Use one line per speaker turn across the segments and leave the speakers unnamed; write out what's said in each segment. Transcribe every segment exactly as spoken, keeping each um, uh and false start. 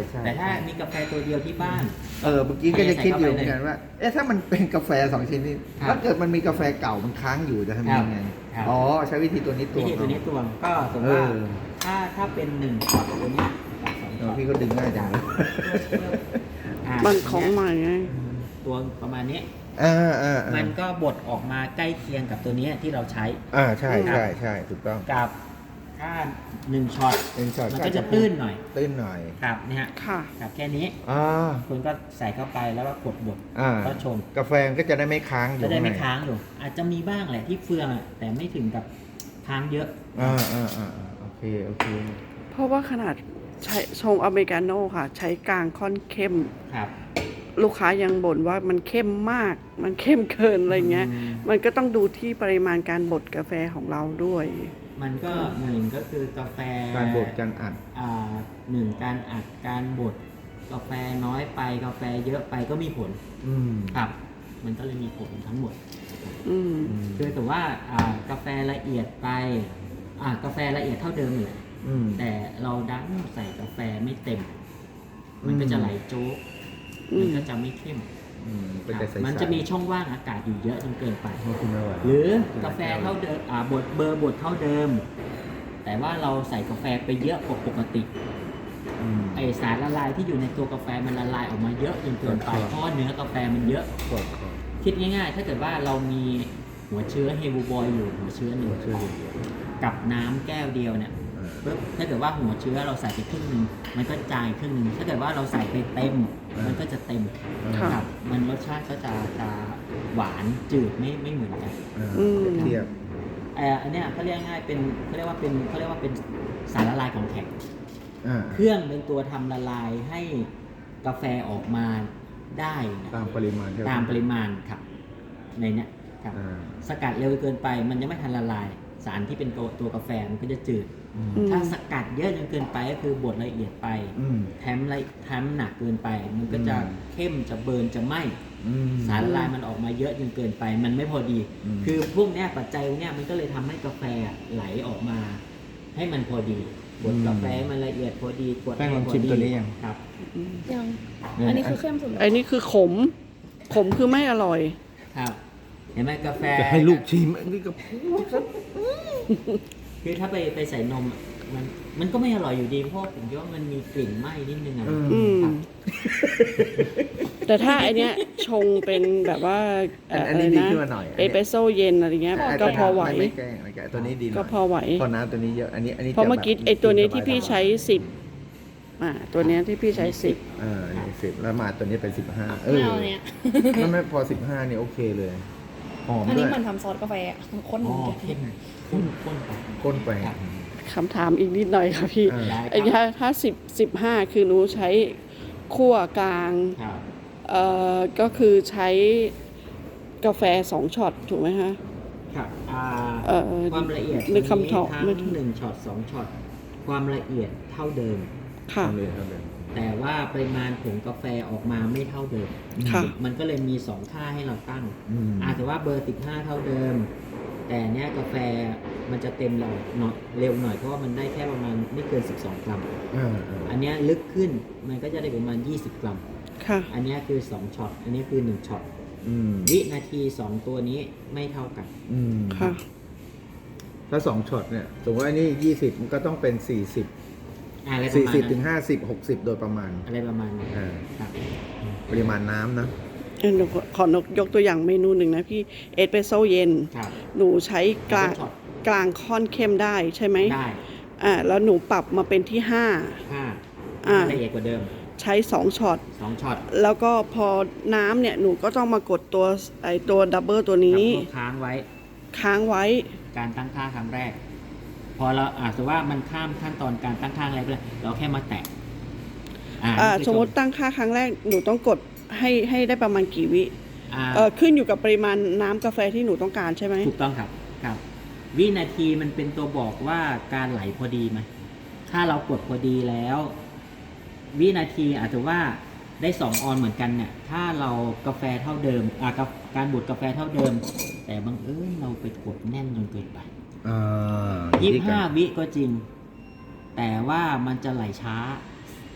ใช่
แต่ถ้ามีกาแฟตัวเดียวที่บ้าน
เออเมื่อกี้ก็จะคิดอยู่เหมือนกันว่าเอ๊ะถ้ามันเป็นกาแฟสองชนิดถ้าเกิดมันมีกาแฟเก่ามันค้างอยู่จะทำยังไงอ๋อใช้วิธีตัวนี้ตั
วิ
ว
ธีตัวนี้ตวงก็สมมติว่าถ้าถ้าเป็นหนึ่งช็อตตัวเนี้ยสองช็อต
พี่ก็ดึงง่ายจังเลย
อ่ะ
มันของใหม่ไง
ตัวประมาณนี้
อ่าอ่า
มั
มัน
ก็บดออกมาใกล้เคียงกับตัวเนี้ยที่เราใช้
อ่าใช่ใช่ใช่ถูกต้อง
กับถ้าหนึ่งช็อต
เป็นช็อต
มันก็จะตื้นหน่อย
ตื้นหน่อย
ครับเนี่ยฮะ
ค่ะ
ครับแค่นี้
อ่า
คุณก็ใส่เข้าไปแล้วก็กดบด
อ่า
ก็ชง
กาแฟก็จะได้ไม่ค้างอยู่
จะได้ไม่
ข้
ค้างอยู่อาจจะมีบ้างแหละที่เฟืองอะแต่ไม่ถึงกับค้างเยอะ
อ่าอ่าอ่าโอเคโอเค
เพราะว่าขนาดใช้ชงอเมริกาโน่ค่ะ ใช้กลางค่อนเข้ม
ครับ
ลูกค้ายังบ่นว่ามันเข้มมาก มันเข้มเกินอะไรเงี้ย
อืม
มันก็ต้องดูที่ปริมาณการบดกาแฟของเราด้วย
มันก็หนึ่งก็คือกาแฟ
การบดการอัด
อ่าหนึ่งการอัดการบดกาแฟน้อยไปกาแฟเยอะไปก็มีผล
อืม
ครับ มันก็เลยมีผลทั้งหมด
อืม
คือแต่ว่าอ่ากาแฟละเอียดไปอ่ากาแฟละเอียดเท่าเดิมเลย
อืม
แต่เราดันใส่กาแฟไม่เต็ม มันก็จะไหลโจ๊ก
อืม
มันก็จะไม่เข้ม
อืมเป็น
ค
แต่
รับ
ใสๆ
มันจะมีช่องว่างอากาศอยู่เยอะจนเกินไป
ไม่คุณไม่ไหว
หรือกาแฟเท่าเดิมอ่าบดเบอร์บดเท่าเดิม แต่ว่าเราใส่กาแฟไปเยอะกว่าปกติ
อืม
ไอสารละลายที่อยู่ในตัวกาแฟมันละลายออกมาเยอะจนเกินไป
ครับ
เพราะว่าเนื้อกาแฟมันเยอะ
กดกด
คิดง่ายๆ ถ้าเกิดว่าเรามีหัวเชื้อเฮบูบอยอยู่หัวเชื้อหนึ่ง
ช่วยดู
กับน้ำแก้วเดียวเนี่ยปุ๊บถ้าเกิดว่าหัวเชื้อเราใส่ไปครึ่งหนึ่งมันก็จายครึ่งหนึ่งถ้าเกิดว่าเราใส่ไปเต็ม มันก็จะเต็ม
ค่ะ
ครับมันรสชาติก็จะจะหวานจืดไม่ไม่เหมือนกัน
อืม
เทียบ
เอ่ออันเนี้ยเขาเรียกง่ายๆเป็นเขาเรียกว่าเป็นเขาเรียกว่าเป็นสารละลายของแข็ง
อ่า
เครื่องเป็นตัวทำละลายให้กาแฟออกมาได้นะ
ตามปริมาณที่เร
ตามปริมาณครับในเนี้ยครับ
อ่า
สกัดเร็วเกินไปมันยังไม่ทันละลาย สารที่เป็นตัวตัวกาแฟมันก็จะจืด
อืม
อืม
ถ้าสกัดเยอะจนเกินไปก็คือบดละเอียดไป
อืม
แถมละแถมหนักเกินไป มันก็จะ
อืม
เข้มจะเบิร์นจะไหม้
อืม
สารละลายมันออกมาเยอะจนเกินไป มันไม่พอดี
อืม
คือพวกเนี้ยปัจจัยพวกเนี้ยมันก็เลยทำให้กาแฟไหลออกมา ให้มันพอดีบดกาแฟให้มันละเอียดพอดีกด
แป้งลอง
ให้พ
ชิมตัวนี้ยัง
ครับ
ยัง
เนี่ย
อันนี้คือเข้มสุดแล้ว
ไอ้นี่คือขม ขมคือไม่อร่อย
ครับ เห็นไหมกาแฟ
จะให้ลูกชิมอันนี้ก็พูดซะ
คือถ้าไปไปใส่นมอะมันมันก็ไม่อร่อยอยู่ดีเพราะผมคิดว่ามันมีกลิ่นไหม้นิดนึงอะ
อืม
ครับ
แต่ถ้าไอเนี้ยชงเป็นแบบว่า
อัน
เะ
อันนี้
ไร
ดีขึ้นมาหน่อย
เอสเปรสโซเย็นอะไรเงี้ย
อัน
ก็พอไหว
ไม่ไม่แกล้งไม่แกล้งตัวนี้ดีหน่อย
ก็พอไหว
พอน้ำตัวนี้เยอะอันนี้อันนี้
เพราะเมื่อกี้
จแบบ
ไอตัวนี้ที่พี่ใช้สิบอ่าตัวเนี้ยที่พี่ใช้สิบ
เออนี่สิบแล้วมาตัวนี้เป็นสิบห้าเอ
ไม่
อ
เอาเนี่ย
มันไม่พอสิบห้านี่โอเคเลยหอม
อัน
ด้
นี้
วย
เหมือนทำซอสกาแฟอะข้นเห
อ๋
มื
อ
อนกัน
เข้มข้นข้นไป
ก้นไป
ครับ
คำถามอีกนิดหน่อยค่ะพี่
เออ
ได้ค
ไอ้
รับ
ถ้าถ้าสิบสิบห้าคือหนูใช้คั่วกลาง
ครับ
เอ่อก็คือใช้กาแฟสองช็อตถูกไหมคะ
ครับอ่า
เอ่อ
ความละเอียด
นึกคำตอบ
ทั้
ไม่
ง
ถูก
หนึ่งช็อตสองช็อตความละเอียดเท่าเดิม
ค่ะ
ทำเลยทำเลย
แต่ว่าปริมาณผงกาแฟออกมาไม่เท่าเดิม
ค่ะ
มันก็เลยมีสองค่าให้เราตั้ง
อืม
อาจจะว่าเบอร์สิบห้าเท่าเดิม แต่เนี้ยกาแฟมันจะเต็มเราหน่อยเร็วหน่อยเพราะว่ามันได้แค่ประมาณไม่เกินสิบสองกรัม
เออเออ
อันเนี้ยลึกขึ้นมันก็จะได้ประมาณยี่สิบกรัม
ค่ะ
อันเนี้ยคือสองช็อต อันนี้คือหนึ่งช็อต
อืม
วินาทีสองตัวนี้ไม่เท่ากัน
อืม
ค่ะ
ถ้าสองช็อตเนี่ยสมมติว่านี่ยี่สิบมันก็ต้องเป็นสี่สิบ
อะไรประ
สี่
มาณ
สิบถึ
นั้
ง
น
ห้าสิบหกสิบโดยประมาณ
อะไรประมาณนั้น
อ่า
ครับ
ปริมาณน้ำนะ
เอ่อหนูขอขอนกยกตัวอย่างเมนูหนึ่งนะพี่เอสเปรสโซเย็น
ครับ
หนูใช้กลาง
ช็อต
กลางค่อนเข้มได้ใช่ไหม
ได้
อ่าแล้วหนูปรับมาเป็นที่ห้า
ห้า
อ่า
ละเอียดกว่าเดิม
ใช้สองช็อต
สองช็อต
แล้วก็พอน้ำเนี่ยหนูก็ต้องมากดตัวไอตัวดับเบิลตัวนี้
ครับค้างไว้
ค้างไว้
การตั้งค่าครั้งแรก พอเราอาจจะว่ามันข้ามขั้นตอนการตั้งค่าอะไรไปเลยเราแค่มาแตะอ่า
อ่า
นี่คือ
สมมติตั้งค่าครั้งแรกหนูต้องกดให้ให้ได้ประมาณกี่วิ
อ่า
เออขึ้นอยู่กับปริมาณน้ำกาแฟที่หนูต้องการใช่ไหม
ถูกต้องครับครับ วินาทีมันเป็นตัวบอกว่าการไหลพอดีไหมถ้าเรากดพอดีแล้ว วินาทีอาจจะว่าได้สองออนเหมือนกันเนี่ย ถ้าเรากาแฟเท่าเดิมอ่ากับการบดกาแฟเท่าเดิม แต่บังเอิญเราไปกดแน่นจนเกินไป
อ่า
ยี่สิบห้าวิก็จริง แต่ว่ามันจะไหลช้า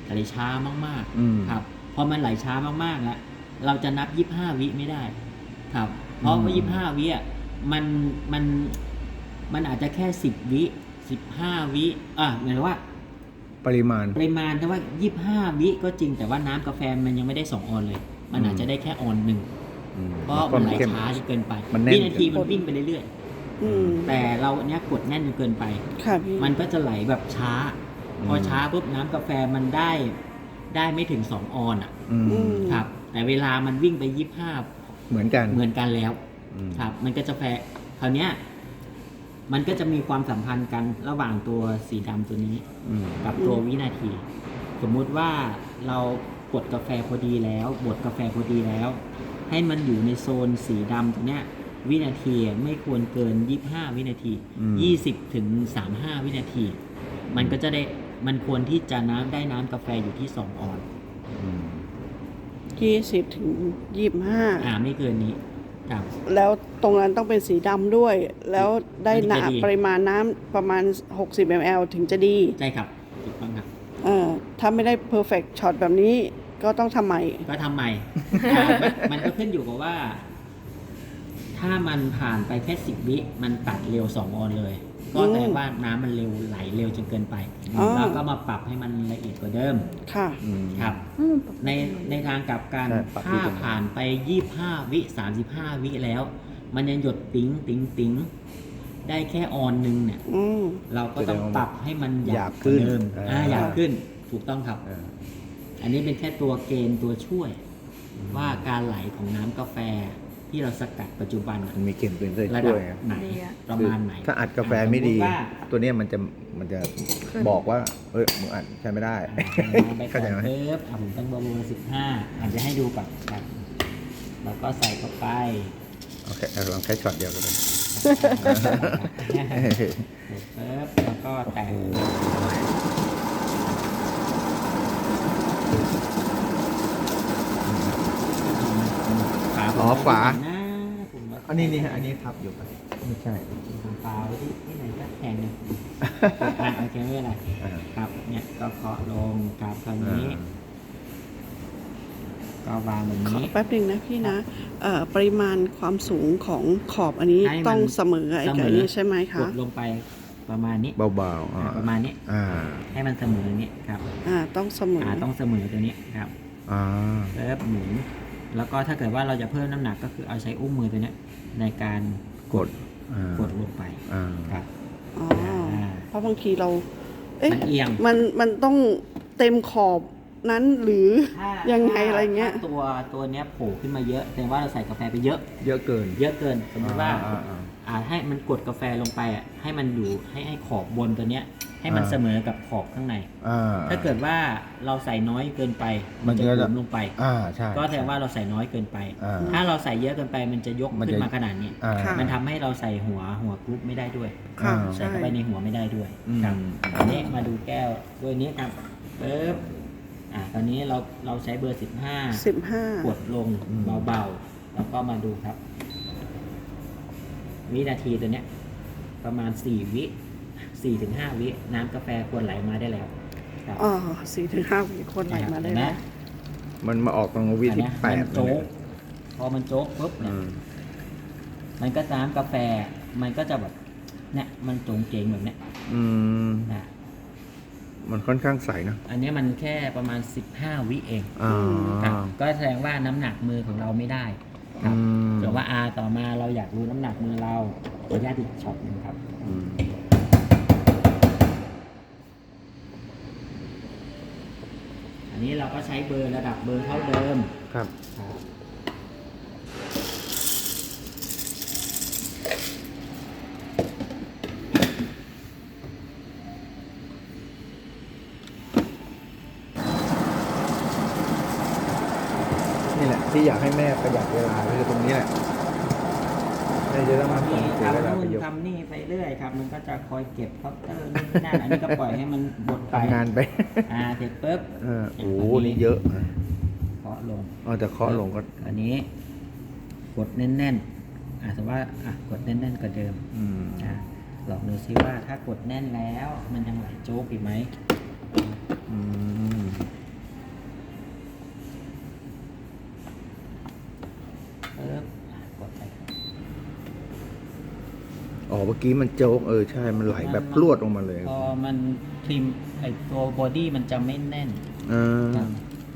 ไหลช้ามาก
อืม
ๆครับพอมันไหลช้ามากๆแล้วเราจะนับยี่สิบห้าวิไม่ได้ครับเพราะว่ายี่สิบห้าวิอ่ะมันมันมันอาจจะแค่สิบวิสิบห้าวิอ่ะหมายถึงว่า
ปริมาณ
ปริมาณแต่ว่ายี่สิบห้าวิก็จริงแต่ว่าน้ำกาแฟมันยังไม่ได้สองออนเลย มันอาจจะได้แค่ออนหนึ่ง
อืม
เพราะมันไหลช้าจนเกินไป
มันแน่น
วินาทีมันวิ่งไปเรื่อย
อืม
ๆแต่เราเนี้ยกดแน่นจนเกินไป
ค่ะพี่
มันก็จะไหลแบบช้า พอช้าปุ๊บน้ำกาแฟมันได้ได้ไม่ถึงสองออนอ่ะ
อืม
อืม
ครับ แต่เวลามันวิ่งไปยี่สิบห้า
เหมือนกัน
เหมือนกันแล้ว
อืม
ครับ มันก็จะแฟคราวเนี้ยมันก็จะมีความสัมพันธ์กันระหว่างตัวสีดำตัวนี้
อืม
กับตัววินาที สมมุติว่าเรากดกาแฟพอดีแล้วบดกาแฟพอดีแล้ว ให้มันอยู่ในโซนสีดำตรงเนี้ยวินาทีไม่ควรเกินยี่สิบห้าวินาที
อืม
ยี่สิบถึงสามสิบห้าวินาที มันก็จะได้มันควรที่จะน้ำได้น้ำกาแฟอยู่ที่สองออนซ์
อืม
ยี่สิบถึงยี่สิบห้า
อ่าไม่เกินนี้ครับ
แล้วตรงนั้นต้องเป็นสีดำด้วย แล้วได้
มันจะดี
น้ำปริมาณน้ำประมาณ หกสิบมิลลิลิตร ถึงจะดี
ใช่ครับถูกต้องครับ
เออถ้าไม่ได้ perfect shot แบบนี้ก็ต้องทำใหม่
ก็ทำใหม่ อ่ามันมันก็ขึ้นอยู่กับว่า ถ้ามันผ่านไปแค่สิบวิมันตัดเร็วสองออนเลย ก็แปลว่าน้ำมันเร็วไหลเร็วจนเกินไป
อ๋อ
เราก็มาปรับให้มันละเอียดกว่าเดิม
ค่ะ
อืม
ครับ ในในทางกลับกัน
ใช่ปรับที่
ถ้า
ตรงนั้น
ผ่านไปยี่สิบห้าวิสามสิบห้าวิแล้ว มันยังหยดติ๋งติ๋งติ๋งได้แค่ออนหนึ่งเนี่ย
อืม
เราก็ต้องปรับให้มันห
ห
ยาย
า
บบ ก
ขึ้
ว่าน เดิม
อ่า
อ่าหยาบขึ้นถูกต้องครับ
อ่า
อันนี้เป็นแค่ตัวเกณฑ์ตัวช่วย ว่าการไหลของน้ำกาแฟที่เราสกัดปัจจุบันอะ
มันมีเกณฑ์เป็นตัว
ระ
ช่
ดั
ว
บ
ยไง
ไหน
ดีอะ
ประมาณไหน
ถ้าอัดกาแฟไม่ดี
สติว่า
ตัวเนี้ยมันจะมันจะบอกว่าเฮ้ยมึงอัดใช้ไม่ได้
อ่าไปก่
เข้า
อน
ใจไหม
เพิ่มอ่ะผมตั้งเบอร์เบอร์สิบห้าอาจจะให้ดูก่อนครับแล้วก็ใส่เข้าไป
โอเคเอาลองแค่ช็อตเดียวก็ได้
เสร็จปุ๊บแล้วก็แตะฝาผม
อ๋อฝา
ไม่ได้นะผมว่า
อันนี้นี่ฮะอันนี้ทับอยู่ปะไม่ใช่
ผมปาไว้ที่ที่ไหนก็แทงเลยอ่ะโอเคไม่เป็นไร
อ่า
ครับเนี่ยก็เคาะลงครับคราวนี้ ก็วางแบบ
ขอ
นี้
แป๊บหนึงนะพี่นะเอ่อปริมาณความสูงของขอบอันนี้
ให้มัน
ต้องเสมอไอ้กับอันนี้ใช่ไหม
ก
คะ
ดลงไปประมาณนี้
เบาๆอ่า
อ่ะประมาณนี้
อ่า
ให้มันเสมออย่างนี้ครับ
อ่าต้องเสมอ
อ่าต้องเสมอตัวนี้ครับ
อ่า
เริ่มหมุนแล้วก็ถ้าเกิดว่าเราจะเพิ่มน้ำหนักก็คือเอาใช้อุ้งมือตัวเนี้ยในการ
กดอ่าก
ดลงไป
อ่า
ครับ
อ๋อ
อ่า
เพราะบางทีเรา เอ๊ะ
มันเอียง
มันมันต้องเต็มขอบนั้นหรือ
ถ้า
ยังไง
ถ้า
อะไรเงี้ย
ถ้าตัวตัวเนี้ยโผล่ขึ้นมาเยอะแสดงว่าเราใส่กาแฟไปเยอะ
เยอะเกิน
เยอะเกิน สมมติว่า
อ่าอ่า
อ่าให้มันกดกาแฟลงไปอ่ะให้มันอยู่ให้ให้ขอบบนตัวเนี้ย ให้มัน
อ่า
เสมอกับขอบข้างใน
อ่า
ถ้าเกิดว่าเราใส่น้อยเกินไป
มั
มัน
น
จะ
ก็
ห
จะ
ลวมลงไป
อ่าใช่
ก็แสดงว่าเราใส่น้อยเกินไป
อ่า
ถ้าเราใส่เยอะเกินไปมันจะยก
มันจะ
ขึ้นมาขนาดนี้
อ่า
ค่ะ
มันทำให้เราใส่หัวหัวกรุ๊ปไม่ได้ด้วย
ค่ะ
อ่า
ใส่
ใช่
เข้าไปในหัวไม่ได้ด้วย
อืม
ครับอันนี้มาดูแก้วด้วยนี้ครับปึ๊บอ่าตอนนี้เราเราใช้เบอร์สิบห้า
สิบห้าก
ดลงเบาๆแล้วก็มาดูครับ วินาทีตัวเนี้ย ประมาณสี่วิสี่ถึงห้าวิน้ำกาแฟควรไหลมาได้แล้วครับ
อ๋อสี่ถึงห้าวิคนไหลมาได้
เห็นไห
แล้ว
มันมาออกตรงวิ
อัน
ที่
เนี้ย
แป
มั
ด
นโจ๊กพอมันโจ๊กปุ๊บเนี่ย
อืม
มันก็น้ำกาแฟ มันก็จะแบบเนี่ยมันโจงเจงแบบเนี้ย
อืม
นะ
มันค่อนข้างใสนะ
อันนี้มันแค่ประมาณสิบห้าวิเอง
อ่า
ครับก็แสดงว่าน้ำหนักมือของเราไม่ได้ครับ
อืม
ส่วนว่า R ต่อมาเราอยากรู้น้ำหนักมือเราขออนุญาตอีกช็อตหนึงครับ
อืม
อันนี้เราก็ใช้เบอร์ระดับเบอร์เท่าเดิม
ครับ
ครับ
นี่แหละที่อยากให้แม่ประหยัดเวลาคือตรงนี้แหละแม่จะต้องมาส่ง
นี่
เสียเวลา
ทำ
ไป
นู่น
เยอะ
ทำนี่ไปเรื่อยครับ มันก็จะคอยเก็บเคาน์เตอร์นู่นนี่นั่นอันนี้ก็ปล่อยให้มันบดไป
ทำงานไป
อ่าเสร็จปุ๊บ
เออโอ้โหนี่เยอะนะ
เคาะลง
อ๋อแต่เคาะลงก็
อันนี้ กดแน่นๆอ่าสมมติว่าอ่ะกดแน่นๆกว่าเดิม
อืม
อ่ะลองดูซิว่าถ้ากดแน่นแล้ว มันยังไหลโจ๊กอีกไหม
อืม
เออกดไป
อ๋อเมื่อกี้มันโจ๊กเออใช่มันไหลแบบพรวดลงมาเลย
พอมันครีมไอตัวบอดี้มันจะไม่แน่น
อ่า
ครับ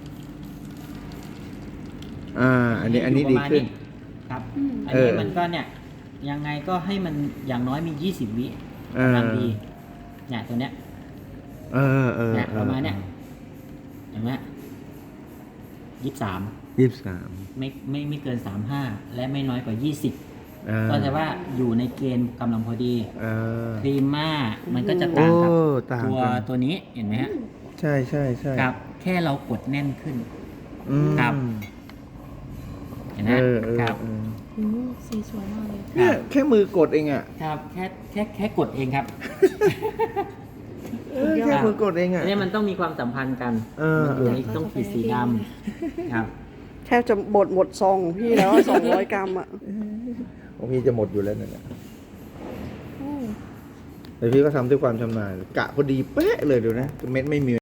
อ่าอันนี้อันนี้ดีขึ้น
ครับ
อืม
อัน
เอ
นี้
อ
มันก็เนี่ยยังไงก็ให้มันอย่างน้อยมียี่สิบวิ
อ่าก
ำลังดีเนี่ยตัวเนี้ย
เออเออ
เนี่ยประมาณเนี้ยเห็นไหมยี่สิบสาม
ยี่สิบสาม
ไม่ไม่ไม่เกินสามห้าและไม่น้อยกว่ายี่สิบ
อ่า
ก็จะว่าอยู่ในเกณฑ์กำลังพอดี
เออ
ครีมม่ามันก็จะ
โอ้
ต่างกับ
ต่าง
ตัว
กัน
ตัวนี้เห็นไหมฮะ
ใช่ใช่ใช่
ครับ แค่เรากดแน่นขึ้น
อืม
ครับ เห็นไหม
เออเออ
ครับ
เออ
อืมสีสวยมากเลย
เนี่ยแค่มือกดเองอ่ะ
ครับแค่แค่แค่กดเองครับ
เออแค่มือกดเองอ่ะ
อันนี้มันต้องมีความสัมพันธ์กัน
เออ
มันอยู่ในต้องขีดสีดำครับ
แทบจะบดหมดซองของพี่แล้วสองร้อยกรัมอ่ะ
ของพี่จะหมดอยู่แล้วนั่นแหละ
อืม
แต่พี่ก็ทำด้วยความชำนาญกะพอดีเป๊ะเลยเดี๋ยวนะเม็ดไม่มี